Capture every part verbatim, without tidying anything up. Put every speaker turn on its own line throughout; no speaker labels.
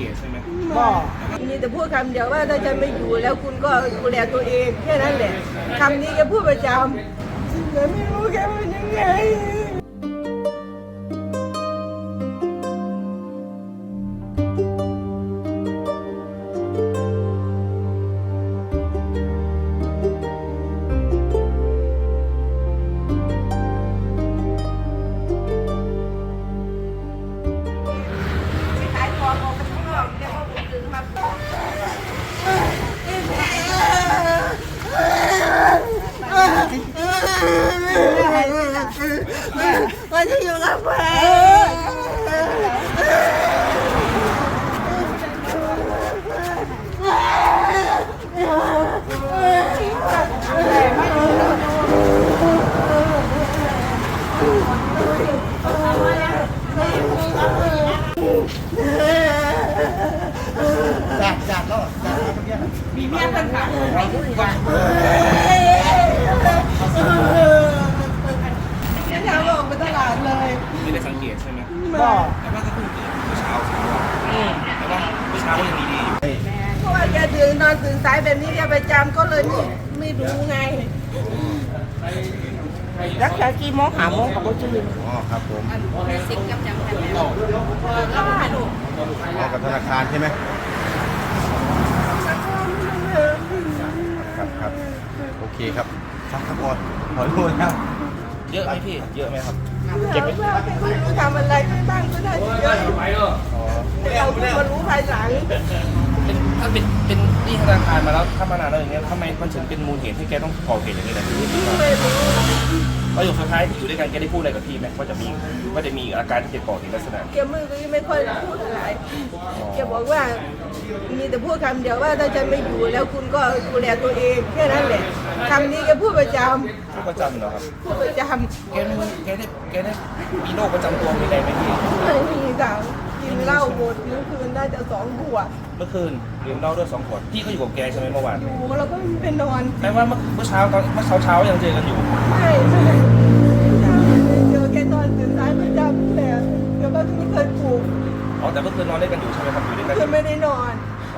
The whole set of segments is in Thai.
เกตใช่ไหม
ก็มีแต่พูดคำเดียวว่าถ้าฉันไม่อยู่แล้วคุณก็ดูแลตัวเองแค่นั้นแหละคำนี้แกพูดประจำแต่ไม่รู้แกเป็นยังไงมันจะอยู่กับแม่จัดจัดแล้วจัดมีเมียเป็นขาใครพูดกันเนี่ยทำออกไปตลาดเลย
ไม่ได้สังเกตใช่ไหม
ก็
แต่ว่าก็เพิ่งตื่นเมื่อเช้าเช้าแต่ว่าเมื่อเช้าก็ยังดีดีอยู่
เพราะว่าแกตื่นนอนตื่นสายแบบนี้แกประจำก็เลยไม่ไม่รู้ไงรักษากี่โมงหาโมงกับพ่อชื่อ
อ๋อครับผม
สิบกับจำกันแล้วก็ไม่รู้
เอากับธนาคารใช่ไหมครับครับโอเคครับครับครับพอขอโทษครับ
เยอะไหมพี่เยอะไหมครับ
เก็บไว้ไม่รู้ทำอะไรไปบ้างก็ได้เยอะเราเพิ่งมารู้ภายหลัง
เป็นถ้าเป็นเป็นที่ธนาคารมาแล้วถ้ามานานแล้วอย่างเงี้ยทำไมมันถึงเป็นมูลเหตุที่แกต้องก่อเหตุอย่างนี้ล่ะ
ไม่รู้
ประโยคสุดท้ายที่อยู่ด้วยกันแกได้พูดอะไรกับพี่ไหมว่าจะมีว่าจะมีอาการที่จะก่อเหตุลักษณะ
แกมือก็ไม่ค่อยพูดอะไรแกบอกว่ามีแต่พูดคำเดียวว่าถ้าฉันไม่อยู่แล้วคุณก็ดูแลตัวเองแค่นั้นแหละคำนี้แกพูดประจำ
พูดประจำเหรอครับ
พูดประจำ
แกมีแกได้แกได้มีโรคประจำตัวมีอะไรไหมพี่
ไม่มีค่ะกินเหล้าหมดเมื่อคืนได้แต่สองขวด
เมื่อคืนดื่มเหล้าด้วยสองขวดพี่ก็อยู่กับแกใช่ไหมเมื่อวาน
อยู่แล้วก็ไปนอน
แปลว่าเมื่อเช้าตอนเมื่อเช้าเช้ายังเจอกันอยู่
ใช่ใช่เจอแกนอนตื่นสายประจำแต่เดี๋ยวก็ไม่เคยปลุก
อ๋อแต่เมื่อคืนนอนด้วยกันอยู่ใช่ไหมครับอยู่ด้วยกัน
คือไม่ได้นอน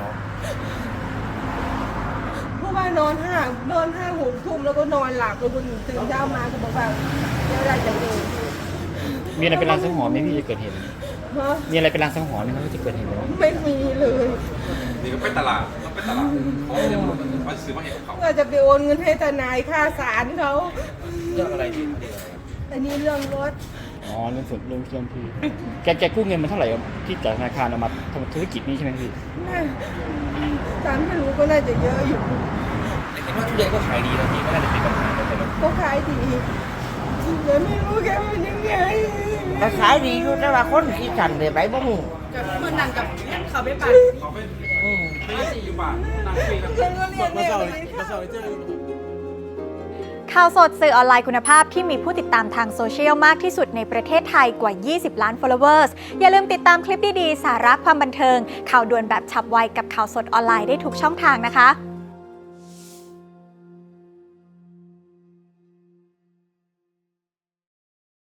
เพราะว่านอนห้านอนห้าหกทุ่มแล้วก็นอนหลับแล้วคนตื่นเช้ามาก็บอกว่าเดี๋ยวได้จะเอง
มีอะไรเป็นรางสังหรณ์ไหมพี่จะเกิดเหตุมีอะไรเป็นรางสังหรณ์ไหมที่จะเกิดเหตุ
ไม่มีเลย
นี่ก็ไปตลาดต้องไปตลาดเขาเดี๋ยวมาซื้อมาเห็นเขา
ว่าจะไปโอนเงินให้ทนายค่าศาลเขา
เรื่องอะไรที่
อันนี้เรื่องรถ
อ๋อเรื่องส่วนเรื่องเรื่องพี่แกแกกู้เงินมาเท่าไหร่ที่จากธนาคารเอามาทำธุรกิจนี้ใช่ไหมพี่
ตามที่รู้ก็น่าจะเยอะอยู่
เห็นว่าทุเรียนก็ขายดีนะพี่ไม่น่าจะเป็นปัญหาใช่ไหม
ก็ขายดีแต่ไม่รู้แกเป็นยังไง
ก็ขายดีอยู่แต่ว่าคนที่สั่นเลยไปบ่ฮู้
กับเมื่อนั่งกับเขาไปปั่นเขาไปอืมไปสี่อยู่บ้านนั่งคุยกันมาเศร้ามาเศร้าเจอ
ข่าวสดสื่อออนไลน์คุณภาพที่มีผู้ติดตามทางโซเชียลมากที่สุดในประเทศไทยกว่ายี่สิบล้าน followers อย่าลืมติดตามคลิปดีๆสาระความบันเทิงข่าวด่วนแบบฉับไวกับข่าวสดออนไลน์ได้ทุกช่องทางนะคะ